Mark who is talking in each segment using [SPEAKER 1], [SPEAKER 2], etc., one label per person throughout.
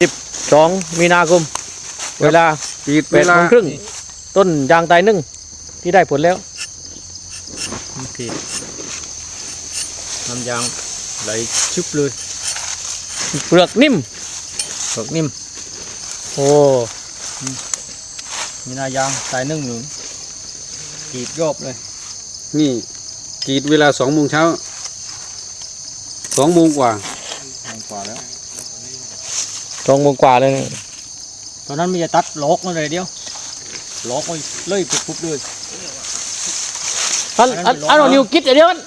[SPEAKER 1] 12 มีนาคมเวลา
[SPEAKER 2] ปิดเวลา
[SPEAKER 1] 8:30น.ต้นยางตายนึ่งที่ได้ผลแล้วขีดน้ำยางไหลชุบเลยเปลือกนิ่มโอ้มีนายางตายนึ่งอยู่ขีดรอบเลย
[SPEAKER 2] นี่กรีดเวลา2 โมงเช้า2 โมงกว่า
[SPEAKER 1] แล้ว2 โมงกว่าเลยตอนนั้นมีจะตัดล็อกมาเลยเดียวล็อกไปเลยปุ๊บเลยอันเรานิวกิดเดียวกัน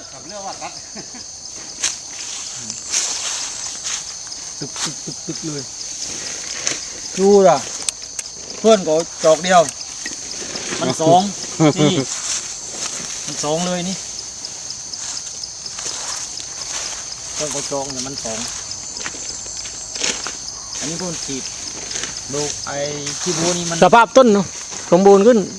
[SPEAKER 1] ตึกเลยดูล่ะเพื่อนก็จอกเดียวมัน2นี่มัน2เลยนี่เพื่อนก็จอกเนี่ยมัน2อันนี้ต้นขีดดูไอ้ขี้บัวนี่มันสภาพต้นสมบูรณ์ขึ้น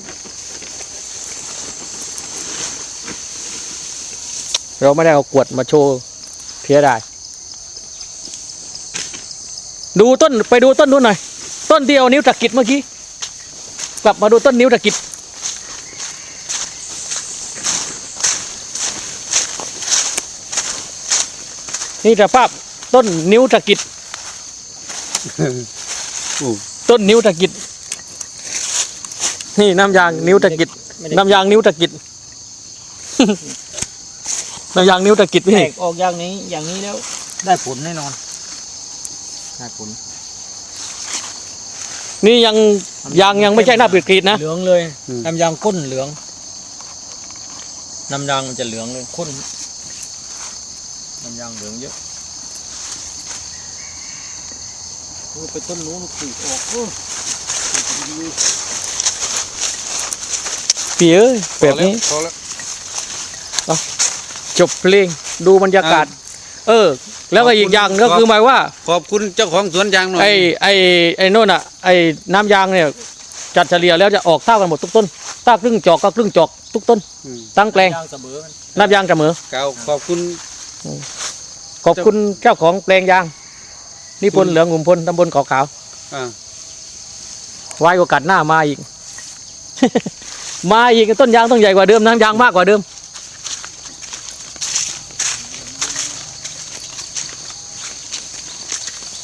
[SPEAKER 1] เราไม่ได้เอากวดมาโชว์เพียได้ดูต้นไปดูต้นนู้นหน่อยต้นที่เอานิ้วตะกิดเมื่อกี้กลับมาดูต้นนิ้วตะกิดนี่สภาพต้นนิ้วตะกิดต้นนิ้วตะกิดนี่น้ำยางนิ้วตะกิดน้ำยางนิ้วตะกิดน้ำยางนิ้วตะกิดพี่ออกอย่างนี้แล้วได้ผลแน่นอนได้ผลนี่ยังไม่ใช่หน้าปิดกรีดนะเหลืองเลยน้ำยางข้นเหลืองน้ำยางมันจะเหลืองเลยข้นน้ำยางเหลืองเยอะไปต้นนู้นขีดออกปีเอ้ยแบบนี้จบเพลงดูบรรยากาศแล้วก็อีกอย่างก็คือหมายว่า
[SPEAKER 2] ขอบคุณเจ้าของสวนยางหน่อย
[SPEAKER 1] ไอ้โน่นอ่ะไอ้น้ำยางเนี่ยจัดเฉลี่ยแล้วจะออกเท่ากันหมดทุกต้นถ้าครึ่งจอกก็ครึ่งจอกทุกต้นตั้งแปลงน้ำยางเสมอ
[SPEAKER 2] ขอบ
[SPEAKER 1] คุณเจ้าของแปลงยางนิพนธ์เหลืองหุ่มพลตำบลเกาะขาวไว้โอกาสหน้ามาอีก มาอีกต้นยางต้องใหญ่กว่าเดิมน้ำยางมากกว่าเดิม